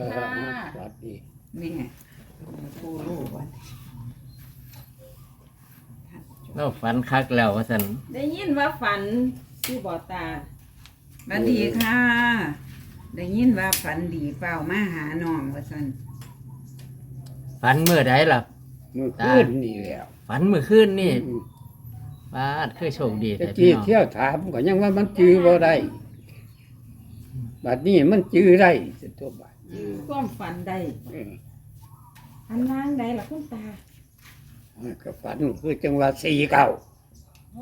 ค่ะสวัสดีนี่ผู้รู้วันเราฝันคักแล้วว่าซั่นได้ยินว่าฝันที่บ่อตาสวัสดีค่ะ ได้ยินว่าฝันดีเปล่ามาหาน้องว่าซั่นฝันมื้อใดล่ะมือคืนนี่แล้วฝันมื้อคืนนี่บาดคือโชคดีตะแต่พี่กี้น้องเที่ยวถามก็ยังว่ามันจื้อบ่ได้บัดนี้มันจื้อได้สิตัวบาดความฝันใดเอออันล่างใดล่ะคุณตามันก็ฝันคือจังว่า49 โอ้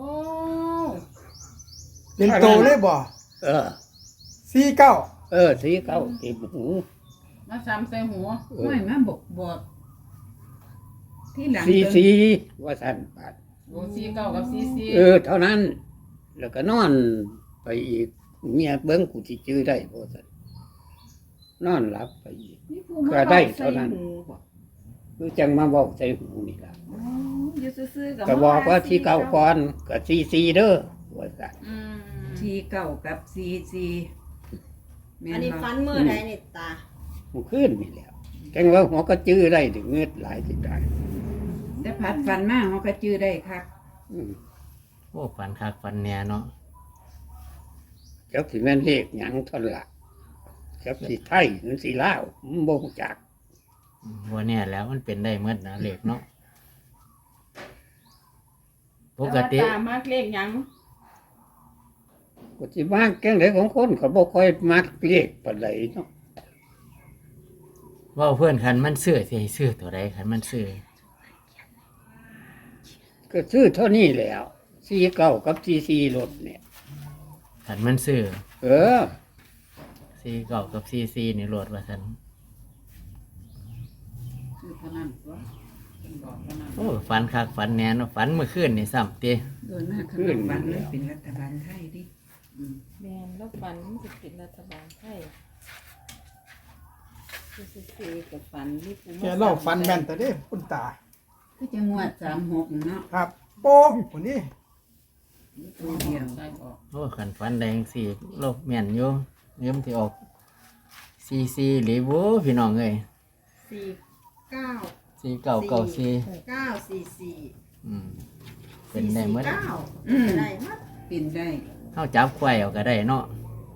เป็นโตเลยบ่เออ 49 49เต็มหูมาซ้ำใส่หัวเอห้ออยมาบอกที่หลัง 44ว่าซั่นบาดโอ้ซีเก้ากับซีซีเท่านั้น แล้วก็นอนไปอีกเมียเบิ้งกูสิจื้อได้บ่ซั่นนอนหลับไปอีกนี่ผู้ก็มาได้ใส่เท่านั้นหูบ่คือจังมาเว้าใส่หูนี่ล่ะโอ้อยู่ซื่อๆกับก็บอกว่าที่เก่าก่อนก็44เด้อว่าซั่นอืมที่เก้ากับซีแม่อันนี้บ่ฟันมือใดนี่ตามันขึ้นนี่แหล้วจังว่าหัวก็จื้อได้ถึงเงือดหลายสิได้แต่พัดฝันมาเฮาก็จื้อได้คักอืมโอ้ฝันคักฝันแน่เนาะจักสิแม่นเลขหยังเท่านนล่ะจักสิไทยหรือสิลาวมันบ่รู้จักบ่แน่แล้วมันเป็นได้หมดนะเลขเนาะปกติแต่ว่าตามากเลขหยังก็สิมากแกงไดของคนก็บ่ค่อยมักเลขปานใดเนาะเว่าเพื่อนคันมันซื้อสิให้ซื้อตัวใดคันมันซื้อก็ซื้อเท่านี้แหล้ว49กับ44รถเนี่ยคันมันซื้อเออ 49กับ44นี่โหลดว่าซั่นคือเท่านั้นตัวเพิ่นบอกเท่านั้นโอ้ฝันคักฝันแน่เนาะฝันเมื่อคืนนี่ซ้ำติโดยมากขนมฝันมันเป็นรัฐบาลไทยดิแม่นแล้วฝันมันจะเป็นรัฐบาลไทยอยู่ซื่อๆกับฝันนี่ผู้แกเล่าฟันแม่นแต่เด้คุณตาคือจังหวัด36เนาะครับ โป้คนนี้ตัวเดียวใส่ออกโอ้คันฝันแดจั่งสิโลกแม่นอยู่เงิมสิออก44หรือบ่พี่น้องเอ้ย 49 4994 944 อืมเป็นได้หมด 9ได้หมดเป็นได้เฮาจับควายเอาก็ได้เนาะ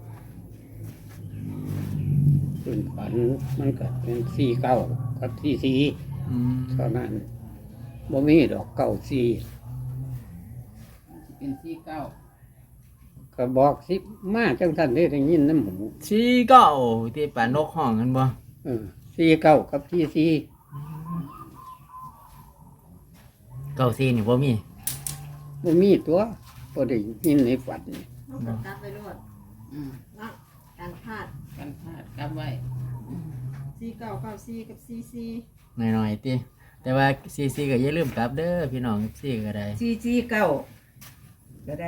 ส่วนฝันมันก็เป็น49กับ44 อืมเท่านั้นบ่มีดอก94 เป็นซีเก้าก็บอกสิมาจังท่านได้ยินน้ำหู 49ที่ปานกห้องกันบ่ 49กับ44 94นี่บ่มีบ่มีตัวบ่ได้ยินในฝันนี่ต้องกดกลับไปรวดอืมเนาะการพลาดกันพลาดกลับไว้ 4994กับ44 หน่อยๆติแต่ว่า44ก็อย่าลืมกลับเด้อพี่น้อง4ก็ได้ 449ก็ได้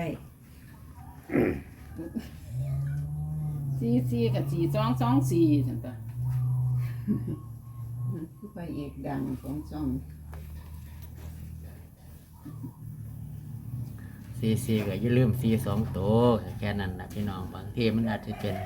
ซีกับ4224จังตาคือไปเอกดังของช่อง 44ก็อย่าลืม42ตัวแค่นั้นนะพี่น้องบางทีมันอาจจะเป็น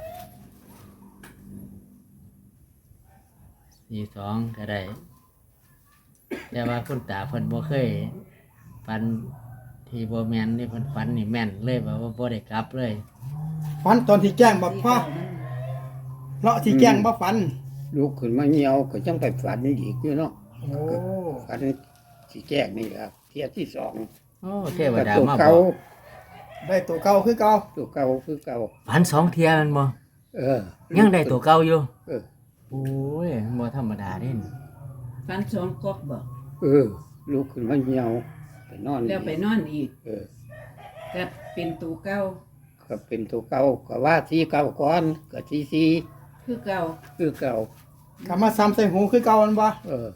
42ก็ได้ แต่ว่าคุณตาเพิ่นบ่เคยฟันที่บ่แม่นนี่เพิ่นฟันนี่แม่นเลยว่าบ่ได้กลับเลยฟันตอนที่แกล้งบ่พ่อเลาะที่แกล้งบ่ฟันลุกขึ้นมาเหี่ยวก็จังไปฝันอีกอยู่เนาะโอ้ฝันสิแจ้งนี่ครับเที่ยที่สองโอ้เทวก็ดาตัวมาบเก่าอกได้ตัวเก่าคือเก่าตัวเก่าคือเก่าฝัน2เที่ยแมันบ่เออยังได้ตัวเก่าอยู่เออโอ้ยบ่ธรรมดาเด้นฟันสองกอกบอกเออลุกขึ้นมาเหี่ยวไปนอนแล้วไปนอนอีกเออก็เป็นตูเก้าก็เป็นตัวเก่าก็ว่าที่เก่าก่อนก็ที่สี่คือเก่าคือเก่ากลับมาซ้ำใส่หูคือเก่ามันบ่เออ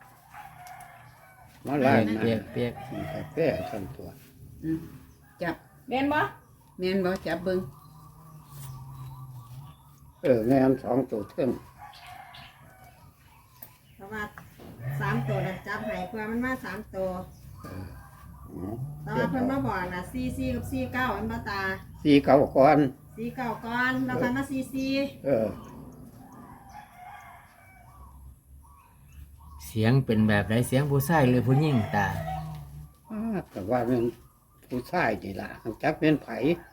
มาไล่มาเปียกเปียกกินกาแฟทั้งตัวอืมจับแม่นบ่แม่นบ่จับเบิ่งแม่นสองตัวเท่งเพราะว่า3ตัวน่ะจับให้เพื่อมันมา3ตัวอ๋อแต่ว่าเพิ่นมาบอกน่ะ44กับ49มันบ่ตาสี่เก่าก่อน 49ก่อนแล้วค่อยมา44 เออเสียงเป็นแบบไรเสียงผู้ชายหรือผู้หญิงตาแต่ว่าเป็นผู้ชายนี่ล่ะจักเป็นไผ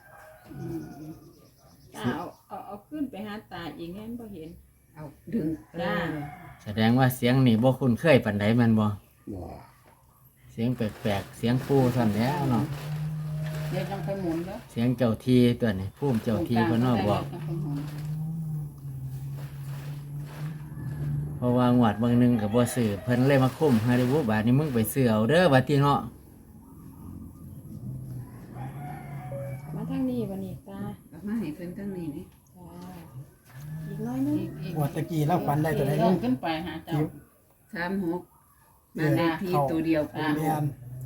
ตาเอาขึ้นไปหาตาอีกแง่นบ่เห็นเอาดึงจ้าแสดงว่าเสียงนี่บ่คุ้นเคยปานใดแมันบ่บ่เสียงแปลกๆเสียงปูสั่นแหล้วเนาะเดี๋ยวต้องไปหมุนแล้วเสียงเจ้าที่ตัวนี้ภูมิเจ้าที่เพิ่นเนาะบอกต้องไปหมุนเพราะว่างวดเบางหนึงก็บ่ซื้อเพิ่นเลยมาคุ้มให้ได้บ่บาดนี้มึงไปซื้อเอาเด้อบัดนี้เนาะมาทางนี้วันนี้ตาเอามาให้เพิ่นทั้งนี้นี่จ้าอีกน้อยนึงงวดตะกี้เราฝันได้ตัวใดลนี่งขึ้นไปหาเจ้า 36บ้านเลขที่ตัวเดียวกันแม่น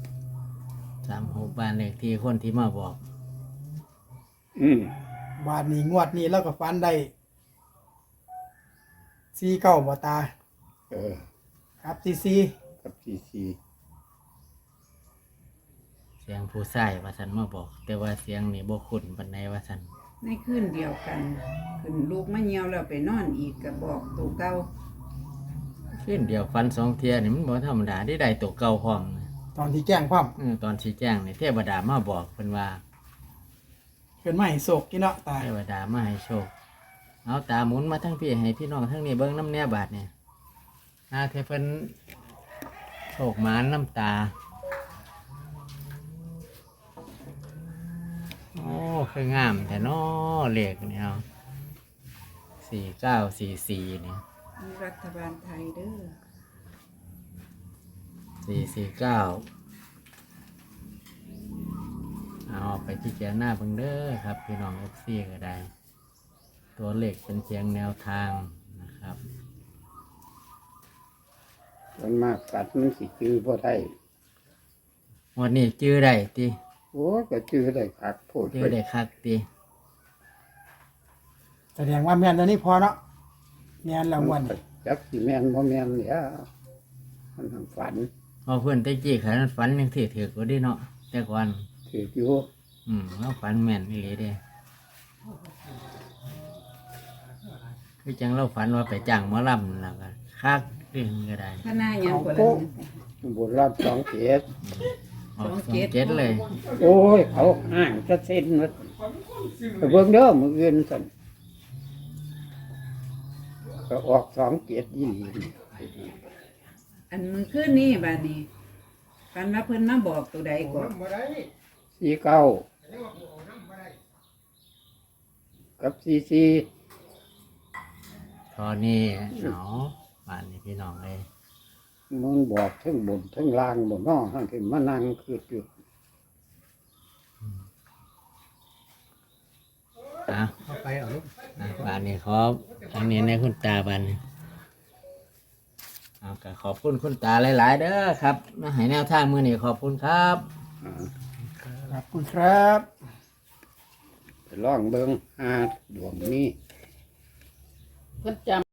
36บ้านเลขที่คนที่มาบอกบาดนี้งวดนี้เราก็ฝันได้49บ่ตาเออครับ44 กับซีซีเสียงผู้ชายว่าซั่นมาบอก แต่ว่าเสียงนี่บ่คุ้นปานใดว่าซั่นในคืนเดียวกันขึ้นลูกมาเหี่ยวแล้วไปนอนอีกก็บอกตัวเก่าขึ้นเดียวฟัน2เที่ยนี่มันบ่ธรรมดาได้ตัวเก่าพร้อมนะตอนที่แจ้งความตอนชี้แจงนี่เทวดามาบอกเพิ่นว่าเพิ่นมาให้โศกกินเนาะตาเทวดามาให้โชค เอาตาหมุนมาทั้งพี่ให้พี่น้องทั้งนี้เบิ้งน้ำแน่บาทเนี่ยเทเพิ่นโชคหมานน้ำตา โอ้คืองามแต่น้อเลขเนี่ยเอา4944เนี่ยมีรัฐบาลไทยเด้อ 449เอาไปที่เจ้าหน้าเบิ่งเด้อครับ พี่น้อง FC ก็ได้ ตัวเลขเป็นเพียงแนวทางนะครับมันมากสัตว์มันสิจื้อบ่ได้วันนี้จื้อได้ติโอ้ก็จื้อได้คักโพดจื้อไปได้คักติแสดงว่าแม่นตัวนี้พอเนาะแม่นแล้วงวดนี้จักสิแม่นบ่แม่นเนี่ยมันทางฝันพอเพื่อนแตะกี้ขันฝันยังถือก็ได้เนาะแต่ก่อนถืออยู่เราฝันแม่นนี่เลยเด้คือจังเราฝันว่าไปจ้างหมอลำแล้วก็คักเรื่องก็ได้พนายังกว่าบนรับสองเจ็ดออก27เลยโอ้ยเขาห่างจะเส้นมาไปเบิ่งเด้อมืออื่นสั่นก็ออก27ยี่หลีอันมือขึ้นนี่บาดนี้ฟันว่าเพิ่นมาบอกตัวใดก่อน 49กับ44 ตอนนี้เนาะบ้านนี้พี่น้องเลยมันบอกทั้งบนทั้งล่างบนนอกทั้งที่มานั่งคืออยู่เอาไปเอาลูกบ้านนี้ขออันนี้ในคุณตาบ้านนี้เอาก็ขอบคุณคุณตาหลาย ๆ เด้อครับมาให้แนวทางมือนี้ขอบคุณครับขอบคุณครับไปลองเบิ่งหาดวงนี้เพิ่นจำ